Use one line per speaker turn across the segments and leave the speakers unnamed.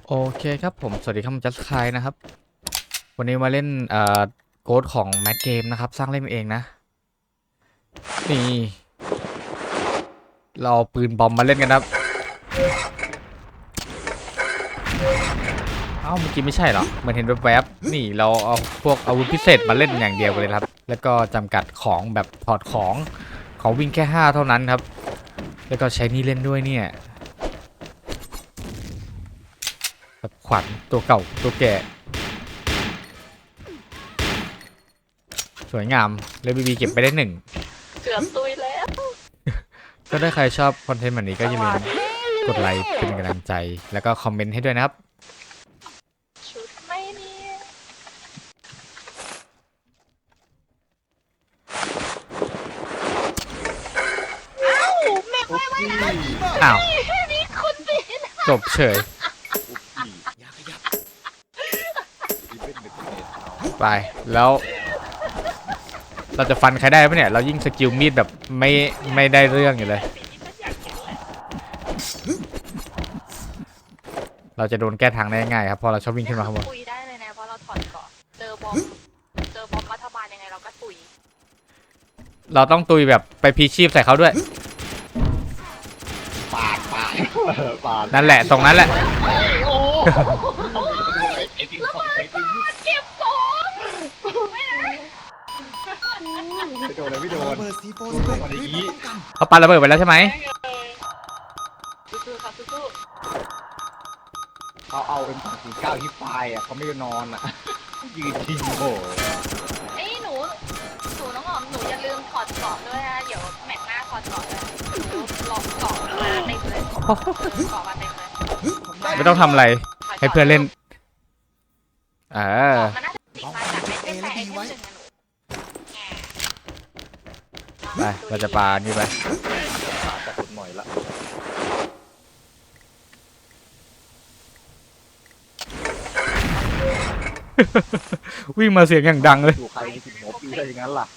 โอเคครับผมสวัสดีครับผมจัสคายนะครับวันนี้มาเล่นโกดของแม d เกมนะครับสร้างเล่นเองนะนี่เราเอาปืนบอมมาเล่นกันครับเอ้าเมื่อกี้ไม่ใช่เหรอเหมือนเห็นแวบๆนี่เราเอาพวกอาวุธพิเศษมาเล่นอย่างเดียวกันเลยครับแล้วก็จำกัดของแบบถอดของวิ่งแค่5เท่านั้นครับแล้วก็ใช้นี่เล่นด้วยเนี่ยแบบขวัญตัวเก่าตัวแก่สวยงามเลยบีเก็บไปได้1
เกือบตุยแล้ว
ก็ถ้าใครชอบคอนเทนต์แบบนี้ก็อย่าลืมกดไลค์เป็นกำลังใจแล้วก็คอมเมนต์ให้ด้วยนะครับ
ชุดไม่เนี่ยอ้าวแม่ไม่ได้
อ้าว
นี่คุณบิน
จบเฉยไปแล้วเราจะฟันใครได้ปะเนี่ยเรายิ่งสกิลมีดแบบไม่ได้เรื่องอยู่เลยเราจะโดนแก้ทางได้ง่ายครับพอเราชอบวิ่งขึ้นมาข้างบน
ตุยได้เลยนะเพราะเราถอดเกาะเจอบอมรัฐบาลยังไงเราก็ตุย
เราต้องตุยแบบไปพีชีพใส่เขาด้วย
ปาด
นั่นแหละตรงนั้นแหละ
เก็บของ
ไม่โดนเลยไม่โดน
เบอร์ซีโฟ
ลงมาอย่างนี้
เขาปาระเบิดไปแล้วใช่ไหม
สู้ๆครับสู้
เขาเอาเป็น209ที่ปลายอ่ะเขาไม่ได้นอนอ่ะยืนทิ้งโอ้
ๆเอ้ยหนูน้องหอมหนูอย่าลืมถอดเกาะด้วยนะเดี๋ยวแมตช์หน้าถอดเกาะเลยหนูลองเกาะมาเต็มเลยเกาะมาเต็มเลย
ไม่ต้องทำอะไรให้เพื่อนเล่น
มันน่าจะติดมาจากไอเทมแต่ไอเทมหนึ่งนะหนู
ไปเราจะปานี่ไป
จะขุดหน่อยละ
วิ่งมาเสียงอย่างดังเลย
ดูใครมีถึงหัวปีได้อย่างนั้นล่ะ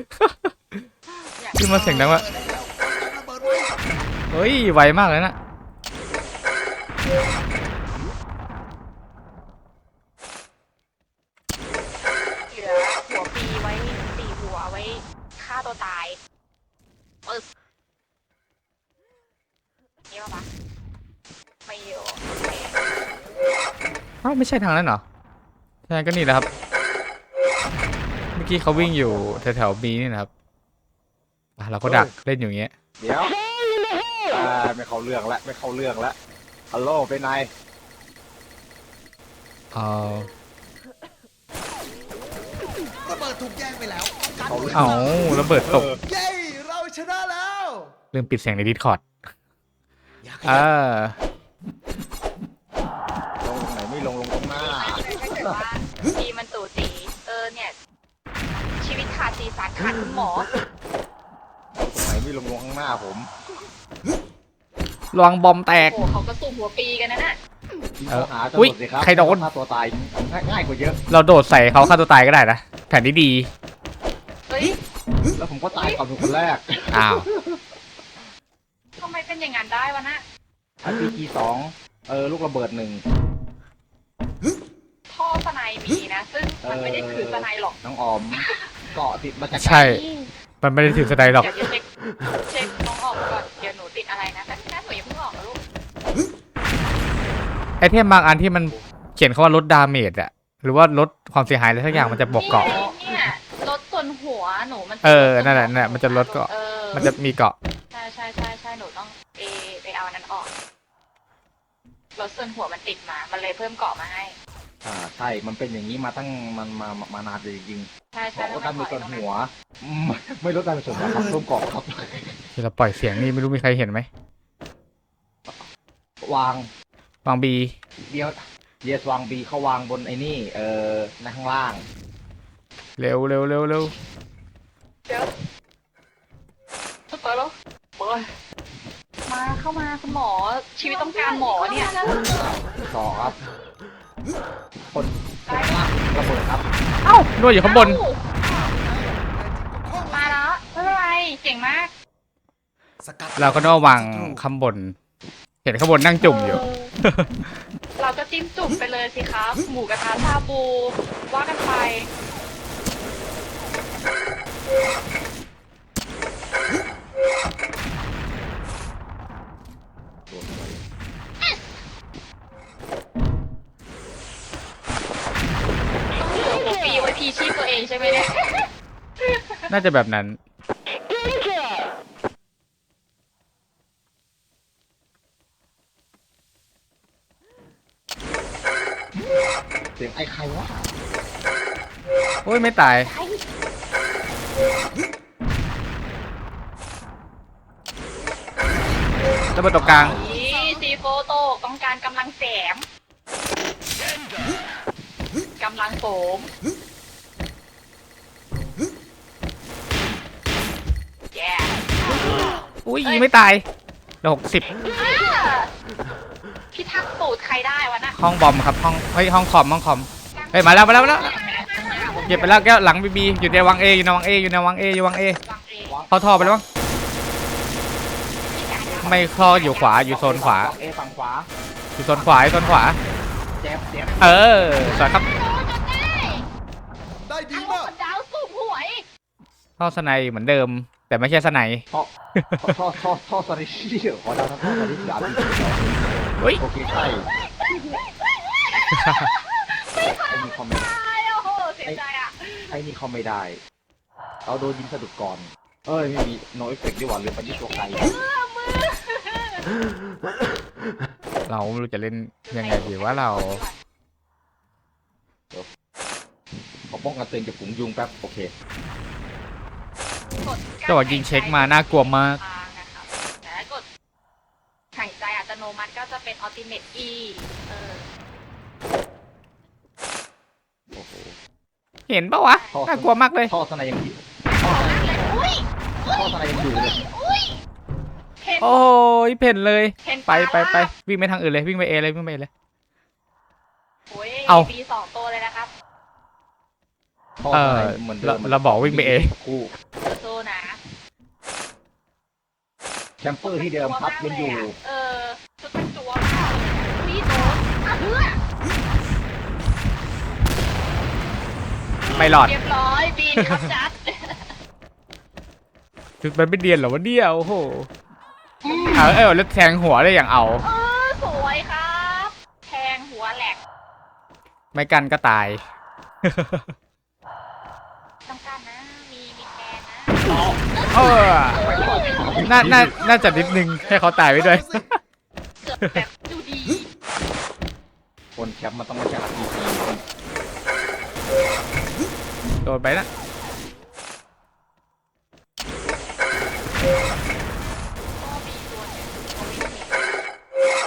วิ่งมาเสียงดังวะเฮ้ยไวมากเลยนะ
เหลือหัวปีไว้4 หัวไว้ฆ่าตัวตายปึ๊บนี่ป่ะปะไม่เยอะ
อ้าวไม่ใช่ทางนั้นเหรอใช่ก็นี่แหละครับเมื่อกี้เขาวิ่งอยู่แถวๆบีนี่นะครับเราก็ดักเล่นอยู่อย่างเงี้ย
เดี๋ยวไม่เข้าเรื่องละไม่เข้าเรื่องละฮัลโหลเป็นไง
เอา
ระเบิดถูกแย่งไปแล้วกัน
เอาระเบิดตก
เย้เราชนะแล้ว
ลืมปิดเสียงในดิสคอร์ด
อย่าข
อ่า
ลงตรงไหนไม่ลงตรงหน้า
ถ้าเกิดว่าปีมันตู่ตีเนี่ยชีวิตขาดสีสันขาดคุณหมอ
ตรงไหนไม่ลงข้างหน้าผม
ลวงบอมแตก
โอ้เขาก็สู้หัวปีกันนะน่ะ
หา
อุ๊ย
สิครับ
ใครโดน
ฆ่าตัวตายง่ายกว่าเยอะ
เราโดดใส่เขาฆ่าตัวตายก็ได้นะแผนที่ดี
เฮ้ย
แล้วผมก็ตายก่อนเป็นคนแรก
อ้าว
ทำไมเป็นอย่างนั้นได้วะน่ะ
RPG 2ลูกระเบิด1
ท่อสไนมีนะซึ่งมันไม่ได้คือสไนหรอก
น้องออมเกาะติดมาจาก
ใช่ มันไม่ได้ถือสไนหรอก
เดี๋ยวเช็คน้องออกก่อนเดี๋ยวหนูติดอะไรนะแต่หนูอย่าเพิ่งออกนะลูก
ไอเทมบางอันที่มันเขียนเขาว่าลดดาเมจอะหรือว่าลดความเสียหายอะไรสักอย่างมันจะบอกเกาะ
เนี่ยลดส่วนหัวหนูมัน
นั่นแหละมันจะลดเกาะมันจะมีเกาะ
ใช่หนูต้องไปเอาอันนั้นออกลดส่วนหัวมันติดมามันเลยเพิ่มเกาะมาให้
ใช่ มันเป็นอย่างนี้มาตั้งมานานเลยจริง
ใช่
ๆบอกว่าการมีส่วนหัวไม่ลดการเป็นส่วนหัวครับเพิ่มเกาะครับ
ที่เราปล่อยเสียงนี่ไม่รู้มีใครเห็นไหม
วาง
วางบี
เดียววางบีเขาวางบนไอ้นี่ในข้างล่าง
เร็ว
เดี๋ยวเปิดแล้วเปิดมาเข้ามาคุณหมอชีวิตต้องการหมอเนี่ย
ต่อครับคนล่างระเบิดครับ
เอ้าด้วยอยู่ข้างบน
มาแล้วไม่เป็นไรเก่งมาก
สกัด
เราก็ต้องวางข้างบน เห็นข้างบนนั่งจุ่มอยู่
เราก็จิ้มจุ่มไปเลยสิครับ หมูกระทะชาบูว่ากันไปต้องมีตัวฟรีไว้พีชีพตัวเองใช่ไหมเนี่ย
น่าจะแบบนั้น
เสียงไอ้ใครวะ
โอ้ยไม่ตายระเบิดตกกลาง
นี่ซีโฟโตต้องการกำลังแสมกำลังโสมแย่
อุ้ยยิงไม่ตายเหลือ60
พี่ทักษ์สูตรใครได้วะน่ะ
ห้องบอมครับห้องเฮ้ยห้องคอมเฮ้ยมาแล้วเก็บไปแล้วแก้วหลังบีบีอยู่ในวังเออยู่ในวังเออยู่ในวังเออยู่วังเอ
วางเอง
เข้าท่อไปแล้วมั้งไม่เข้ออยู่ขวาอยู่โซนขวา
เอฝั่งขวา
อยู่โซนขวาอยู่โซนขวา
เจ็บ
เออสวยครับ
ได้ดี
ทั้งหม
มาก
ดดาวสูบหวย
เข้าสไนเหมือนเดิม แต่ไม่ใช่สไน
ท่อสลิชี่ขอดาวท่อสลิชี่อาร์พี
เฮ้ย
โอเคใช่ไอ้นี่เขาไม่
ตายโอ้โหเสียใจอ่ะ
ไอ้นี่เขาไม่ได้ เอาโดนยิงสะดุดก่อน เอ้ยไม่มีโนเอฟเฟกต์ดีกว่าหรือไปที่ตัวใคร
เราไม่รู้จะเล่นยังไงดีว่าเรา
ขอป้องกันตัวเองจากฝูงยุงแป๊บโอเค
จังหวะยิงเช็คมาน่ากลัวมาก
นะครับแต่ถ้ากดหายใจอัตโนมัติก็จะเป็น Ultimate E
โอ้โห
เห็นปะวะน่ากลัวมากเลย
ท่อสไนยังอยู่
อุ้ย
ท่อสไนยังอยู่เลย
อุ้ยเห็น
โอ้ยเพ่นเลย
เห็น
ไป
ปะ
วิ่งไปทางอื่นเลยวิ่งไปเอเลยวิ่งไป A เลย
โอ้ย
เอา
ปีสองตัวเลยนะครับ
ท่อ
เอ
ส
อ
ไนเหมือนเดิม
เราบอกวิ่งไปเอ
คู่
สู้นะ
แคมเปอร์ที่เดิมครับยังอยู่
ชุดเป็นตัวมากเลยอะอุ้ยโดนอ่ะเพื่อ
ไม่หลอด
เรียบร้อยบีนครับจัด
จุดมันไม่เดียนเหรอวะเนี่ยโอ้โหแล้วแทงหัวได้อย่างเอา
สวยครับแทงหัวแหลก
ไม่กันก็ตาย
ต้องการนะมีแทงนะ
เออน่าจะนิดนึงให้เขาตายไปด้วย
เกือบแบบดูดี
คนแคมป์มันต้องมาจากทีที
โดนไปนะ
ก็มีตัวหนึ่งเขาวิ่งหนี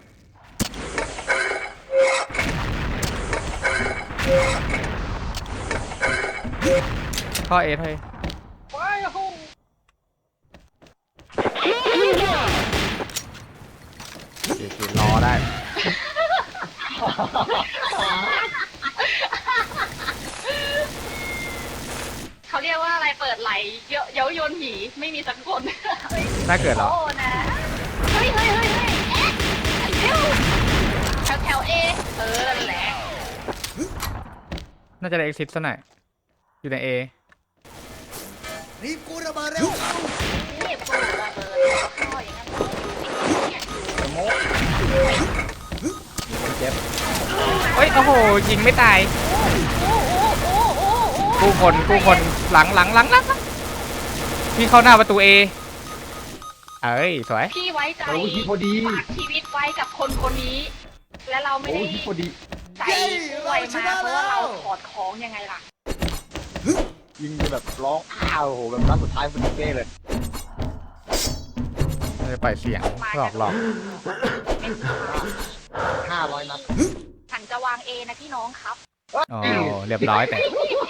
ข้อเอเฮ้ย
ว้ายโห
รอได้
เขาเรียกว่าอะไรเปิดไหลเย้ายวนผีไม่มีสักคน
น่าเกิดเหรอ
โอ้นะเฮ้ยไอ้เจ้าแถวเอนั่นแหละ
น่าจะได้เอ็กซิสซะหน่อยอยู่ในเอ
รีบกูระเบิดเร็วเข้า
นี่ปูระเบิดเข้าอย่างนั้นเนี่ย
สโมกเจ็บ
เฮ้ยโอ้โหยิงไม่ตาย
โอ้
กู้คนหลังพี่เข้าหน้าประตูเอเอ้ยสวย
พี่ไว้ใจ
โอ้ยพอดี
ฝากชีวิตไว้กับคนคนนี้ และเราไม่
โอ้
ได้
ยพอดี
ใจช่วยมาเพราะว่าเราถอดของยังไงล่ะ
ยิงแบบร้องอ้าวโอ้โหแบบนัดสุดท้ายพอดีเป้เลย
จะปล่อยเสียงหลอก
เป็นข่าว
500 นัด
ฉันจะวางเอนะพี่น้องครับ
อ๋อเรียบร้อยแต่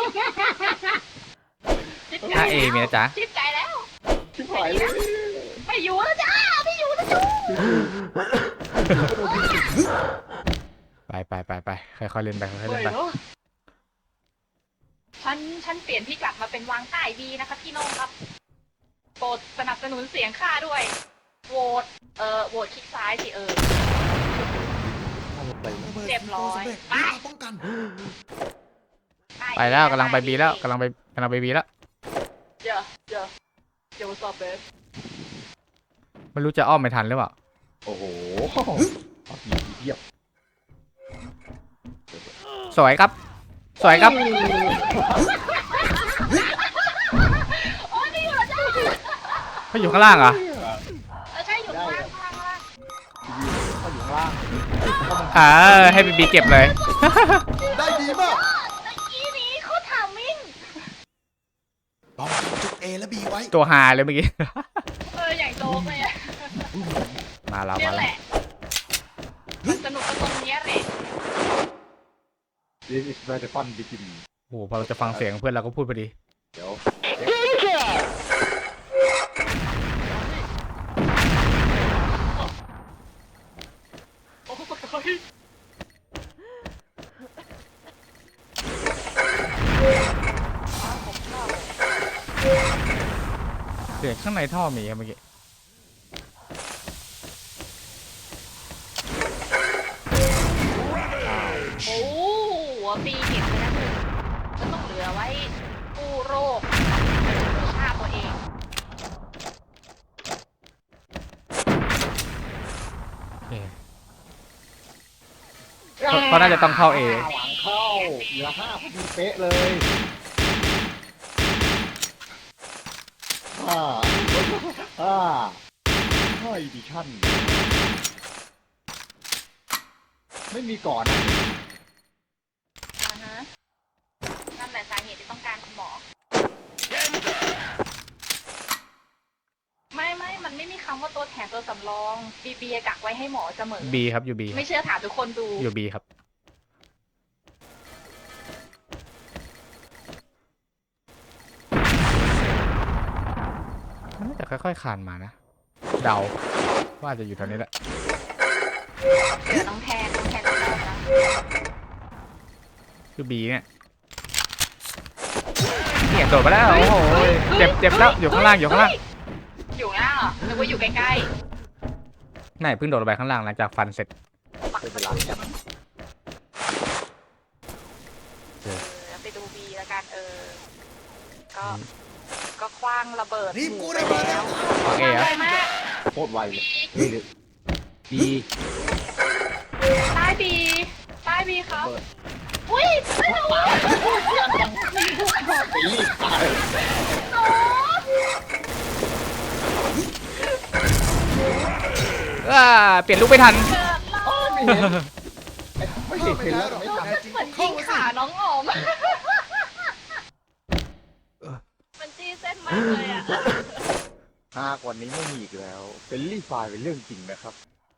ถ้าเอมีนะจ๊ะ
ชิบใจแล้ว
ชิบหายเลย
ไม่อยู่แล้วจ้าไม่อยู่แล้วจ้า
ไปค่อยๆเล่นไปค่อยๆเล่นไป
ฉันเปลี่ยนพี่กลับมาเป็นวางใต้ดีนะคะพี่น้องครับโปรดสนับสนุนเสียงข้าด้วยโหวตคลิกซ้ายสิ
ใส่
ระเบิด
เรียบร้อย
สำเร็จ
ไป
รีบมาป้องกัน
ไปแล้วกำลังไปบีแล้วกำลังไปบีแล้ว
เดี๋ยวสอบเบส
ไม่รู้จะอ้อมไม่ทันหรือเปล่า
โอ้โหผีเทียบ
สวยครับ สวยครับ
โอ้ยนี่อยู่แล้วจ้า
เขาอยู่ข้างล่างเหรอ
ใช่อยู่ข้างล่างข้างล่าง
เขาอยู่ข้างล่าง
ให้บีเก็บเลย
ได้ดีมาก
ตะกี้นี้เขาถามมิ่ง
ป้องกันจุด A และ B ไว้
ตัวฮาเลยเมื่อกี้
อย่างโจ๊กเลยอะ
มาแล้ว
เนี่ย
มา
แห
แล้ว
ละมันสนุกกับตรงเนี้ยแหละ
This is where the fun begin
โอ้โหพอเราจะฟังเสียงเพื่อนเราก็พูดพอดี
เดี๋ยว
โอ้ย
เสียงข้างในท่อมีครับเมื่อกี้
โอ้หัวปีเก็บไปแล้วหนึ่งก็ต้องเหลือไว้กู้โรคฆ่าตัวเอง
โอเคเขาน่าจะต้องเข้า A
หวังเข้าเหลือ5พอดีเป๊ะเลยห้าดิชั่นไม่มีก่อนนะ
นั่นแหละสาเหตุที่ต้องการคุณหมอ ไม่ มันไม่มีคำว่าตัวแถมตัวสำรองบีกักไว้ให้หมอเสมอ
B ครับอยู่ B
ไม่เชื่อถามทุกคนดู
อยู่ B ครับ มันน่าจะค่อยๆคลานมานะ เดาว่าจะอยู่แถวนี้แหละ
เดี๋ยวน้องแทนต้องรอดนะ
คือ B เนี่ยโดดไปแล้ว โอ้โหเจ็บแล้วอยู่ข้างล่างอยู่ข้างล่าง
อยู่ล่างเหรอนึกว่าอยู่ใกล้
ไหนเพิ่งโดดลงไปข้างล่างหลังจากฟันเสร็จ
ๆปัก
เป็นเว
ประ
ลา
ตู
เนี่ย
ไปดูบีแล้วกันก็คว้างระเบิด
รีบกู้ระเบิดแล้ว
โอเคครับ
ไวมาก
โคตรไวเลยดี
ใต้บีครับ
เปิด
อุ้ยไม่รู้
ไปรีบตาย
หนู
เปลี่ยนลูกไม่ทัน
เกิดรอด
ไม่เห็นไม่เห็นเห็นแล้วไม่ทัน
แน่จริง
เหมือน
เข้า
ยิง
มาสิ
ขาน้องหอมมันจี้เส้นมากเลยอ่ะ
กว่านี้ไม่มีอีกแล้วเป็นรีไฟล์เป็นเรื่องจริงนะครับ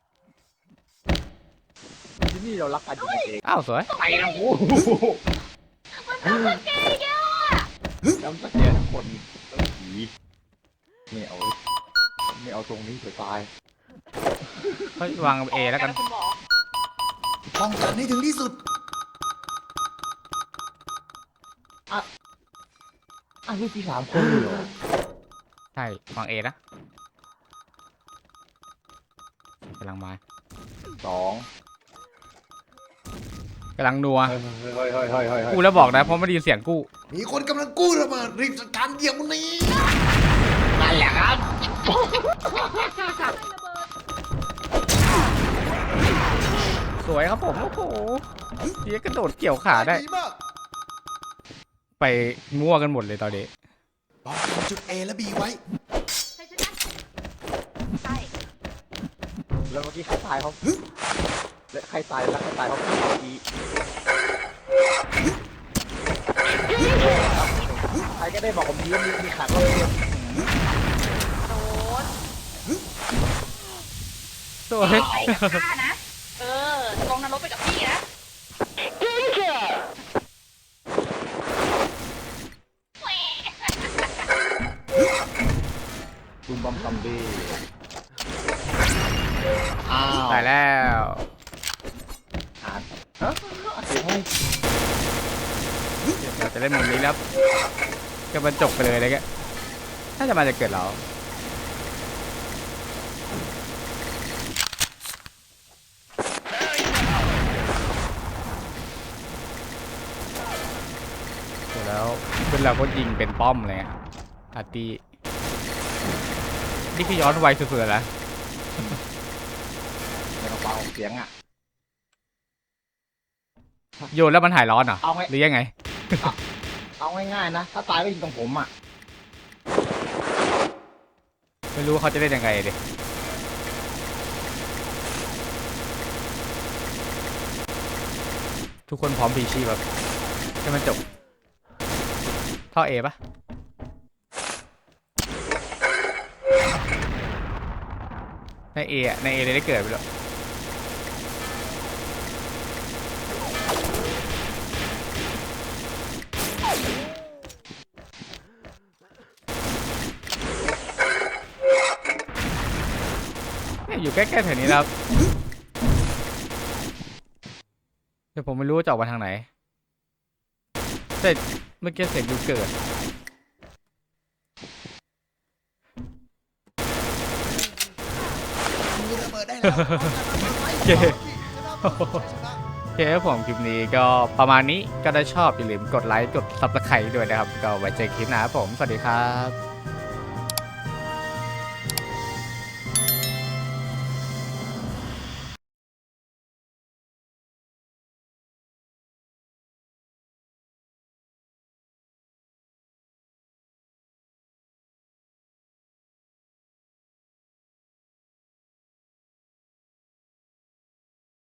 ที่นี่เรารักกันจริงเอง
อ้าวสวย
ไปนะโอ้
มันทำสเกลอีกแล้วอ่ะ
น้ำตะเกียบคนต้องผีไม่เอาตรงนี้เสียตาย
เฮ้ยวาง A แล้วกัน
คุณหมอ
ป้องกันให้ถึงที่สุด
ลูกที่3 คนเลยเหรอ
ใช่วาง A นะกำลังมา
2
กำลังนัว
เฮ้ย
กูแล้วบอกนะเพราะไม่ได้ยินเสียงกู้
มีคนกำลังกู้ระเบิดรีบจัดการเดี๋ยวนี้
นั่นแหละครับ
สวยครับผมโอ้โหเฮียกระโดดเกี่ยวขาได้
ดีมาก
ไปมั่วกันหมดเลยตอนนี้
ป้องกันจุด A และ B ไว้
ใช่
แล้วเมื่อกี้ใครตายเขาและใครตายแล้วใครตายเขาเมื่อกี้ใครก็ได้บอกผมทีว่ามีขาดว่าเกม
โดน
สวย
ไปกับข้านะลงนรกไปกับพี่นะ
ตูมบัมซัมเบ้
ตายแล้ว
ฮะเสียงอะไร
เราจะเล่นมุมนี้แล้วก็บรรจบไปเลยอะไรเงี้ยน่าจะมาจากเกิดเราแล้วเพื่อนเราก็ยิงเป็นป้อมเลยอะอาร์ตี้นี่คือย้อนไวสุดๆแล้ว
ไม่ต้องเป่าเสียงอ่ะ
โยนแล้วมันหายร้อนเหรอ
เอาไง
หรือยังไง
เอาง่ายๆนะ ถ้าตายก็ยิงตรงผมอ่ะ
ไม่รู้ว่าเขาจะได้ยังไงดิทุกคนพร้อมพีชีแบบให้มันจบท่อเอปะในเออะในเอเลยได้เกิดไปแล้วเนี่ยอยู่ใกล้ๆแถวนี้แล้วแต่ผมไม่รู้ว่าจะออกมาทางไหนแต่เมื่อกี้เสียงอยู่เกิด
กูระเบิดได้แล้ว
โอเคโอเคครับผมคลิปนี้ก็ประมาณนี้ก็ได้ชอบอย่าลืมกดไลค์กด Subscribe ด้วยนะครับ ก็ไว้เจอคลิปหน้าครับผม สวัสดีครับ